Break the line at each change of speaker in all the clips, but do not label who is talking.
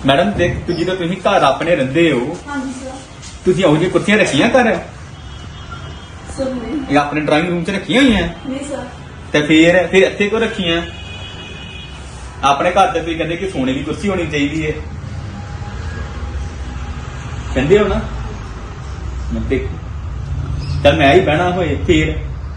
Madam देख तू जो तुम घर अपने रहिंदे हो
हाँ जी सर।
तुसीं इहो जिहियां कुर्सियां रखियां घर
सर नहीं।
ये अपने ड्राइंग रूम च रखियां हुई हैं
नहीं सर।
ते फिर इत्थे क्यों रखियां अपने घर ते तुसीं कहंदे कि सोने की कुर्सी होनी चाहिए है कहंदे हो ना देख चल मैं ही बहना होए फिर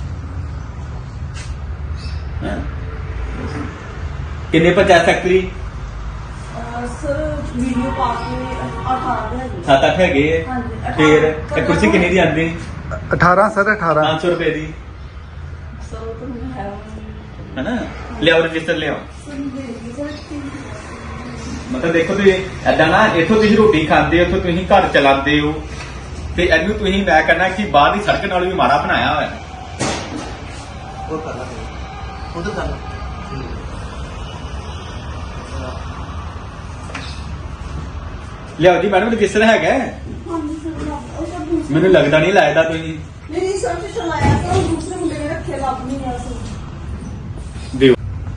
किन्ने पंचायत सैकटरी
सर वीडियो पाके 18 है।
7-8 है
हाँ जी,
फिर
18
ये कुर्सी किन्नी दी आंदी
18 सर 18
500 रुपए दी
सर वो तो नहीं है।
है ना लियाओ रजिस्टर लियाओ
सर नहीं सर।
मतलब देखो तुम ऐदा ना इथों तुम रोटी खाते हो इथों तुम घर चलाते हो ते इनू तुम मैं कहना कि बाहर की सड़क नालों भी माड़ा बनाया हुआ है लियाओ जी मैडम रजिस्टर है
हाँ जी सर। और सर दूसरे
मैनू लगता नहीं लाया तुम
नहीं सर तो चलाया था और दूसरे मुंडे ने रखे लाभ नहीं है सर।
दियो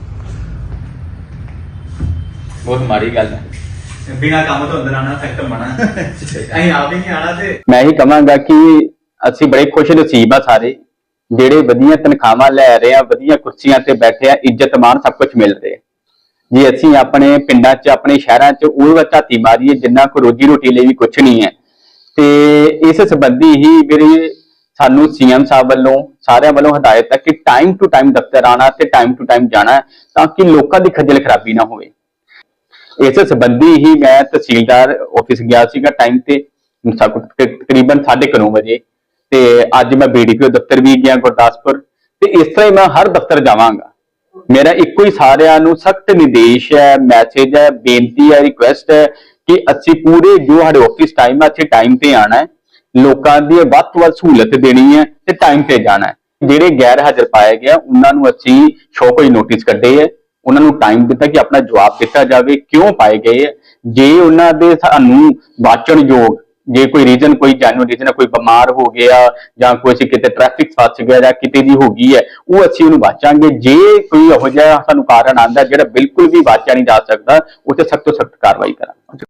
बहुत माड़ी गल है बिना काम तो अंदर आना सख्त मना अं आप ही नहीं आना ते
मैं ही कहांगा कि ਅਸੀਂ बड़े खुश नसीब आ सारे ਜਿਹੜੇ ਵਧੀਆ ਤਨਖਾਹਾਂ ਲੈ ਰਹੇ ਆ ਵਧੀਆ ਕੁਰਸੀਆਂ ਤੇ ਬੈਠੇ ਆ ਇੱਜ਼ਤ ਮਾਣ ਸਭ ਕੁਝ ਮਿਲ ਰਿਹਾ ਜੇ ਅਸੀਂ ਆਪਣੇ ਪਿੰਡਾਂ 'ਚ ਆਪਣੇ ਸ਼ਹਿਰਾਂ 'ਚ ਉਹ ਝਾਤੀ ਮਾਰੀਏ ਜਿੰਨਾ ਕੋ ਰੋਜੀ ਰੋਟੀ ਲਈ ਵੀ ਕੁਝ ਨਹੀਂ ਹੈ ਤੇ ਇਸ ਸੰਬੰਧੀ ਹੀ ਮੇਰੇ ਸਾਨੂੰ ਸੀਐਮ ਸਾਹਿਬ ਵੱਲੋਂ ਸਾਰਿਆਂ ਵੱਲੋਂ ਹਦਾਇਤ ਹੈ ਕਿ ਟਾਈਮ ਟੂ ਟਾਈਮ ਦਫ਼ਤਰ ਆਣਾ ਤੇ ਟਾਈਮ ਟੂ ਟਾਈਮ ਜਾਣਾ ਤਾਂ ਕਿ ਲੋਕਾਂ ਦੀ ਖੱਜਲ ਖਰਾਬੀ ਨਾ ਹੋਵੇ इस संबंधी ही मैं तहसीलदार ऑफिस गया सीगा टाइम ते तकरीबन 9:30 बजे ते अज मैं BDPO दफ्तर भी गया गुरदासपुर ते इस तरह मैं हर दफ्तर जावांगा मेरा इको ही सारियां नूं सख्त निर्देश है मैसेज है बेनती है रिक्वेस्ट है कि असीं पूरे जो साडे ऑफिस टाइम है अच्छे टाइम ते आना है लोकां दी वध तों वध सहूलत देनी है ते टाइम ते जाना है जिहड़े गैर हाजिर पाए गए उन्हां नूं असीं शो कोई नोटिस कड्ढे है उन्होंने टाइम दिता कि अपना जवाब दिता जाए क्यों पाए गए जे उन्होंने सानू वाचन योग जे कोई रीजन कोई जैनुअन रीजन है कोई बीमार हो गया या कोई किते ट्रैफिक फस गया या किते दी हो गई है वो असीं उन्हें वाचांगे जे कोई इहो जिहा सानू कारण आंदा जिहड़ा बिल्कुल भी वाचा नहीं जा सकता उसे सख्त तो सख्त कार्रवाई करांगे।